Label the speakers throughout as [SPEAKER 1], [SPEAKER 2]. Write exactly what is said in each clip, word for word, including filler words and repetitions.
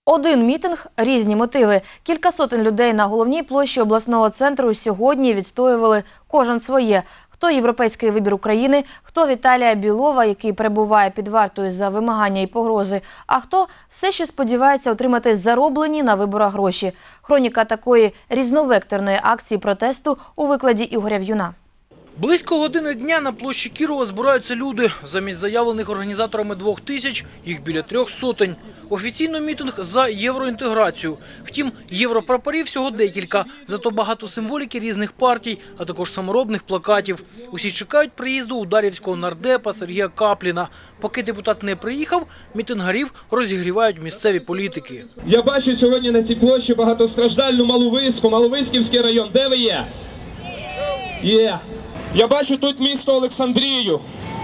[SPEAKER 1] Один мітинг – різні мотиви. Кілька сотень людей на головній площі обласного центру сьогодні відстоювали кожен своє. Хто європейський вибір України, хто Віталія Білова, який перебуває під вартою за вимагання і погрози, а хто все ще сподівається отримати зароблені на виборах гроші. Хроніка такої різновекторної акції протесту у викладі Ігоря В'юна.
[SPEAKER 2] Близько години дня на площі Кірова збираються люди. Замість заявлених організаторами двох тисяч, їх біля трьох сотень. Офіційно мітинг за євроінтеграцію. Втім, європрапорів всього декілька, зато багато символіки різних партій, а також саморобних плакатів. Усі чекають приїзду ударівського нардепа Сергія Капліна. Поки депутат не приїхав, мітингарів розігрівають місцеві політики.
[SPEAKER 3] Я бачу сьогодні на цій площі багатостраждальну Маловиську, Маловиськівський район. Де ви є? Є. Я бачу тут місто Олександрію.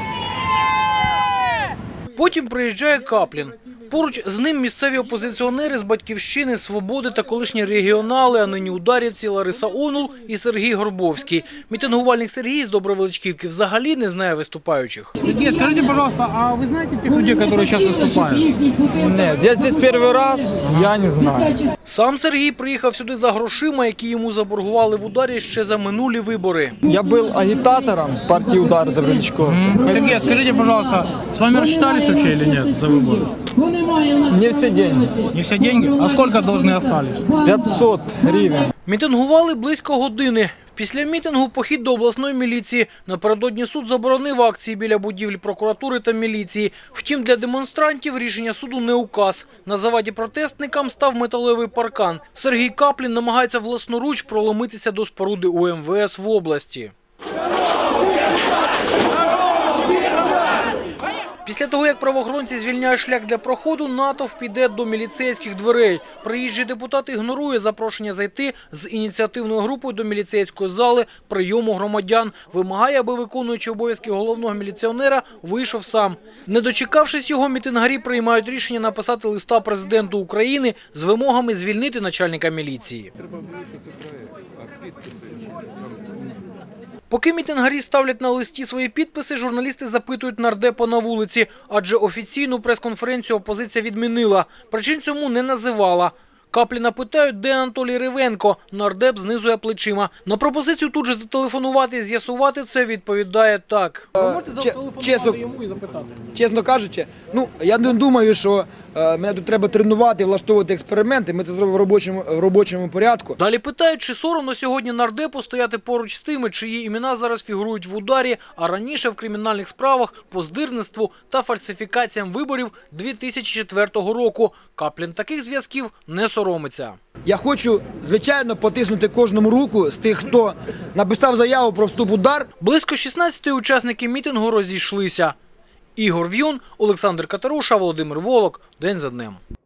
[SPEAKER 2] Потім приїжджає Каплін. Поруч з ним місцеві опозиціонери з «Батьківщини», «Свободи» та колишні регіонали, а нині ударівці Лариса Онул і Сергій Горбовський. Мітингувальник Сергій з Добровеличківки взагалі не знає виступаючих.
[SPEAKER 4] Сергей, скажите, пожалуйста, а вы знаете тех людей, которые сейчас выступают?
[SPEAKER 5] Нет, я здесь первый раз, я не знаю.
[SPEAKER 2] Сам Сергій приїхав сюди за грошима, які йому заборгували в ударі ще за минулі вибори.
[SPEAKER 5] Я был агитатором партии «Удар» Добровеличковки.
[SPEAKER 4] Сергей, скажите, пожалуйста, с вами рассчитались вообще или нет за выборы?
[SPEAKER 5] Не все деньги.
[SPEAKER 4] Не все деньги? А сколько должны остались?
[SPEAKER 5] пятьсот гривен.
[SPEAKER 2] Мітингували близько години. Після мітингу похід до обласної міліції. Напередодні суд заборонив акції біля будівлі прокуратури та міліції. Втім, для демонстрантів рішення суду не указ. На заваді протестникам став металевий паркан. Сергій Каплін намагається власноруч проломитися до споруди у ем ве ес в області. Після того, як правоохоронці звільняють шлях для проходу, натовп піде до міліцейських дверей. Приїжджий депутат ігнорує запрошення зайти з ініціативною групою до міліцейської зали прийому громадян. Вимагає, аби виконуючий обов'язки головного міліціонера вийшов сам. Не дочекавшись його, мітингарі приймають рішення написати листа президенту України з вимогами звільнити начальника міліції. Поки мітингарі ставлять на листі свої підписи, журналісти запитують нардепа на вулиці, адже офіційну прес-конференцію опозиція відмінила. Причин цьому не називала. Капліна питають, де Анатолій Ривенко. Нардеп знизує плечима. На пропозицію тут же зателефонувати і з'ясувати це відповідає так.
[SPEAKER 4] Ви можете зателефонувати йому і запитати?
[SPEAKER 6] Чесно кажучи, ну, я не думаю, що е, мене тут треба тренувати, влаштовувати експерименти. Ми це зробимо в робочому, в робочому порядку.
[SPEAKER 2] Далі питають, чи соромно сьогодні нардепу стояти поруч з тими, чиї імена зараз фігурують в ударі, а раніше в кримінальних справах по здирництву та фальсифікаціям виборів дві тисячі четвертого року. Каплін таких зв'язків не соромиться.
[SPEAKER 6] Я хочу, звичайно, потиснути кожному руку з тих, хто написав заяву про вступ в удар.
[SPEAKER 2] Близько шістнадцяти учасники мітингу розійшлися. Ігор В'юн, Олександр Катеруша, Володимир Волок. День за днем.